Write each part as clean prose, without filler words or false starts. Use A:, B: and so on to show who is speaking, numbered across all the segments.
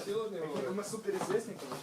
A: Сила не говорит.
B: Мы суперизвестны, короче.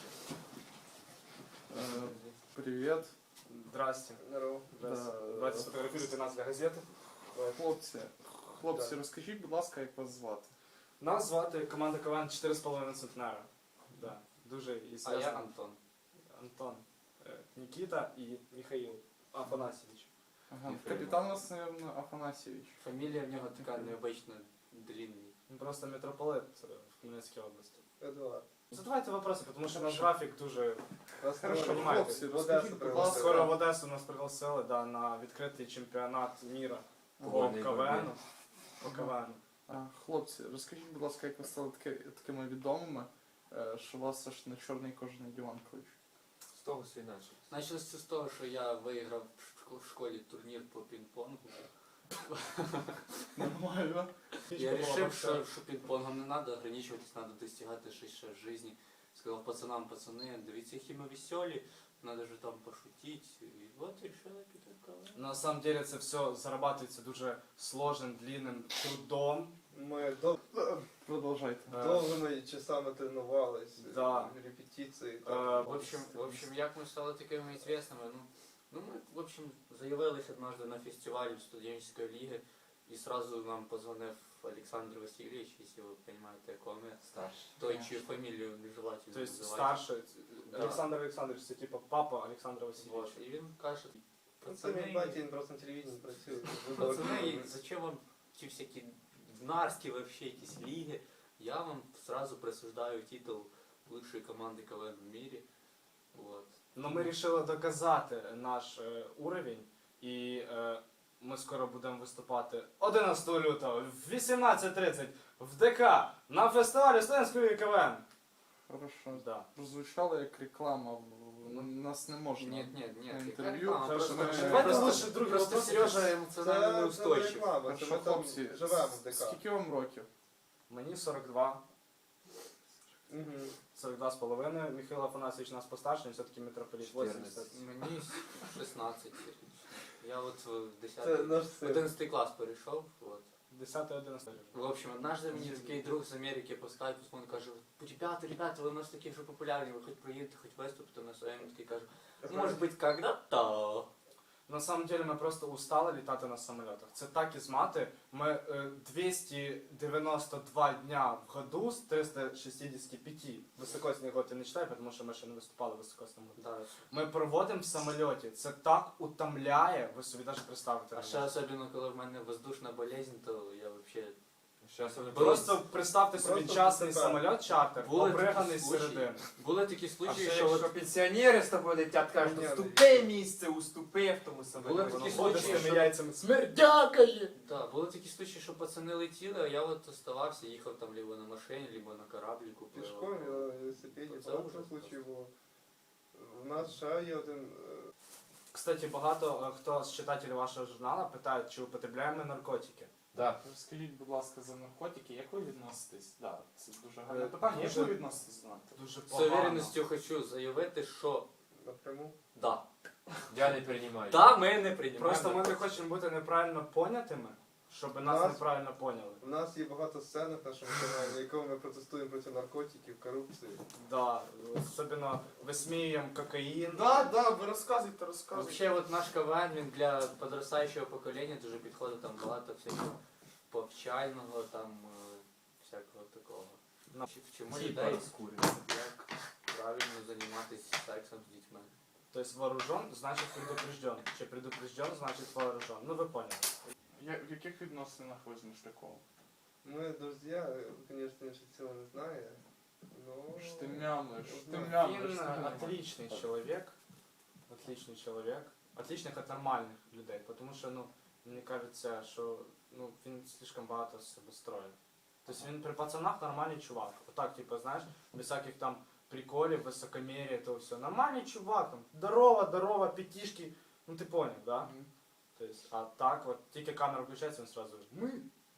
C: Привет.
B: Здрасте.
A: Здорово.
B: Давайте сфотографируйте нас для газети.
C: Хлопці, розкажіть, будь ласка, як вас звати?
B: Нас звати команда КВН 4,5 центнера. Да. Дуже
D: А
B: известно.
D: я Антон.
B: Антон, Никита и Михаил Афанасьевич.
C: Ага.
D: Ні,
C: Капітан у нас, мабуть, Афанасьевич.
D: Фамілія в нього така необично длинний.
B: Он просто митрополит в Хмельницкій області.
A: Эдуард.
B: Задавайте вопросы, потому что наш график дуже...
C: Хорошо,
B: понимаете,
C: хлопці,
A: Одеса
C: розкажіть, будь
A: пригласила.
C: ласка.
B: Скоро в Одесу нас пригласили, да, на відкритий чемпіонат міра по
D: Вольний
B: КВН.
D: боротьбі.
B: По КВН.
C: Хлопці, розкажіть, будь ласка, як ви стали такими відомими, що вас аж на чорний кожаний диван кличуть?
A: З того все інакше.
D: Почалося це з того, що я виграв в школі турнір по пінг-понгу.
C: Нормально.
D: Я вирішив, що пінг-понгом не треба, ограничуватись, треба достигати щось ще в житті. Сказав пацанам, пацани, дивіться, які ми веселі, треба ж там пошутити. І от вирішили піти в КВН.
B: На самом деле це все зарабатується дуже сложним, длинним трудом.
A: Ми
C: Продовжайте.
A: довгими часами тренувались,
B: Да.
A: репетиції.
D: В общем, як ми стали такими відомими? Ну, ми, в общем, заявились однажды на фестивалі студенческой лиги, и сразу нам позвонив Александр Васильевич, если вы понимаете, о ком я.
C: Старший.
D: Той, чью фамилию нежелательно
B: То есть
D: називати.
B: старший
D: Да.
B: Олександр Олександрович, це типа папа Олександра Васильовича.
D: Вот. І він каже,
A: Це мій батя, він просто на телевізії працює.
D: пацани, зачем вам ті всякі днарські вообще якісь ліги? Я вам сразу присуждаю титул лучшей команди КВН в мире. Вот.
B: Но ми вирішили доказати наш уровень, і ми скоро будемо виступати 11 лютого в 18:30 в ДК на фестивалі студентської КВН.
C: Хорошо.
B: Да.
C: Прозвучало як реклама, нас не можна
D: Нет,
C: на
D: яка
C: інтерв'ю.
D: реклама?
B: Хорошо,
D: Просто-
B: давайте
D: просто-
B: лучше другий
D: Просто
B: вопрос.
D: Сережа емоціонально
A: Це
D: неустойчив.
A: реклама, це
C: Хорошо,
A: ми там
C: хлопці,
A: живемо в ДК.
C: скільки вам років?
B: Мені 42,
A: Мгм.
B: 42,5. Михайло Афанасьевич нас постарше, він все-таки митрополит 80.
D: Мені 16. Я от в
A: Це
D: 10
A: наш син.
D: 11 клас перейшов. Вот.
B: 10-11.
D: В общем, однажды мені такий друг з Америки по скайпу дзвонить, каже, ребята, ви у нас такі вже популярні, ви хоч приїдете, хоч виступите на своєму. Такий каже, може бути, когда-то.
B: На самом деле ми просто устали літати на самолітах. Це так і змати. Ми 292 дня в году з 365. Високосний год я не читаю, тому що ми ще не виступали в високосному году.
D: Да.
B: Ми проводимо в самоліті. Це так утомляє, ви собі навіть представити.
D: А
B: не
D: ще
B: можете.
D: особливо, коли в мене воздушна болезнь, то я вообще...
B: Просто представте собі
A: Просто
B: частний
A: тепер.
B: самоліт чартер,
D: Були
B: обриганий
D: такі
B: з
D: случаї.
B: середини.
D: Були такі
E: А
D: случаї,
E: ще
D: що
E: якщо
D: от...
E: пенсіонери з тобою летять, кажуть,
A: Ні,
E: уступи місце, уступи в тому самому.
D: Були
B: Воно
D: такі
B: ходить з
D: случаї,
B: тими
D: що-
B: яйцями. Смердякає!
D: Да, були такі случаї, що пацани летіли, а я от оставався, їхав там либо на машині, либо на корабліку.
A: Пішком, я на велосипеді,
D: Це
A: багато
D: ужас
A: случаїв було. У нас ще є один...
B: Кстати, багато хто з читателів вашого журналу питають, чи употребляємо ми наркотики.
E: Да.
C: Розкажіть, будь ласка, за наркотики, як ви відноситесь? Да, це дуже
B: Е,
C: гарне питання. Як
B: дуже-
C: ви відноситесь до наркотиків?
B: Дуже
D: З
B: погано.
D: уверенністю хочу заявити, що
A: Напряму.
D: да.
E: Я не приймаю.
D: Да, ми не приймаємо.
B: Просто ми не хочемо бути неправильно понятими, щоб нас
A: Нас-
B: неправильно поняли.
A: У нас є багато сцен в нашому каналі, на якому ми протестуємо проти наркотиків, корупції.
B: Да, особливо висміюємо кокаїн.
C: Да, ви розказуйте,
D: Вообще, от наш КВН, він для подростаючого покоління дуже підходить, там багато всякого повчального, там всякого такого.
B: Ну,
D: Вчимо людей, як правильно займатися сексом з дітьми.
B: Тобто вооружен, значить предупрежден. Чи предупрежден, значить вооружен. Ну ви поняли.
C: В яких відносинах ви з Мишляком?
A: Мы друзья, конечно, ще цього не знає, но...
C: Штимями,
B: Він отличний чоловік. Отличний чоловік. Отличних від нормальних людей. Тому що, ну, мені кажеться, що ну, він слишком багато з себе строїть. Тобто він при пацанах нормальний чувак. Отак, типу, знаєш, без всяких там приколів, високомір'я, то все. Нормальний чувак, там, здорово, п'ятішки. Ну ти поняв, да? Тобто, а так, от тільки камера включається, він сразу ми.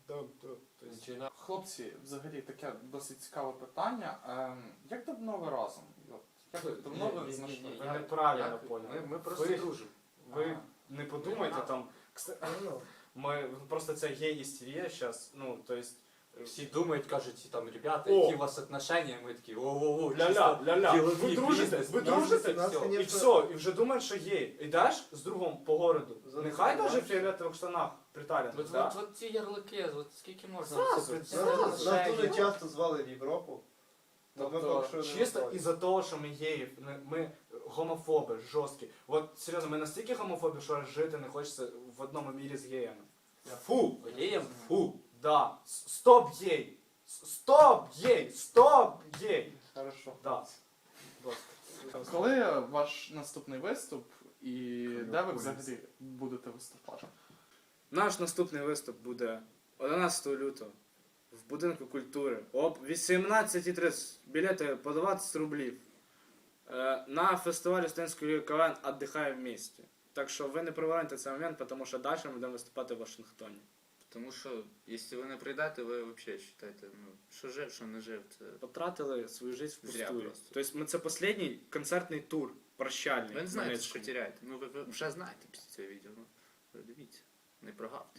B: Тобто,
C: Хлопці, взагалі таке досить цікаве питання. Як давно ви разом? Як давно ви знайшли?
B: ви неправильно поняли.
D: Ми просто
B: Ви-
D: дружимо.
B: Ви не подумайте там. Просто це є істерія зараз. Ну, то есть,
D: Всі думають, кажуть, там, ребята,
B: О!
D: які у вас отношення, ми такі, о-о-о,
B: Ля-ля, ля-ля.
D: ділові,
B: Ви дружите,
D: бізнес,
B: ви
D: бізнес,
B: дружите?
D: і
A: Нас,
D: всьо.
A: конечно,
B: І все, і вже думають, що гей. Ідеш з другом по городу. Нехай
A: Забуваєш.
B: навіть в фіолетових штанах приталений.
D: От,
B: Да?
D: от ці ярлики, от скільки можна
B: Зразу,
D: це
A: Нас,
B: зразу.
A: нас дуже часто звали в Європу. но ми
B: Тобто,
A: поки що не
B: чисто
A: готові.
B: із-за того, що ми геї, ми гомофоби, жорсткі. От серйозно, ми настільки гомофоби, що жити не хочеться в одному мірі з геями. Фу!
D: Геєм? Фу.
B: Да. Стоп гей! Стоп гей! Стоп гей!
C: Хорошо.
B: Да. Будь ласка.
C: Коли ваш наступний виступ і де ви взагалі будете виступати?
B: Наш наступний виступ буде 11 лютого в будинку культури об 18:30. Білети по 20 рублів. На фестивалі студентської ліги КВН «Отдихає в місті». Так що ви не провалите цей момент, тому що далі ми будемо виступати в Вашингтоні.
F: Тому що, якщо ви не прийдете, ви взагалі вважаєте, ну, що жив, що не жив, це...
B: Потратили свою життя
F: Зря
B: впустую.
F: просто.
B: Тобто це останній концертний тур, прощальний.
F: Ви не знаєте, що
B: Хмельницькому.
F: теряєте. Ну, ви вже знаєте після цього відео. Ну, дивіться, не прогавте.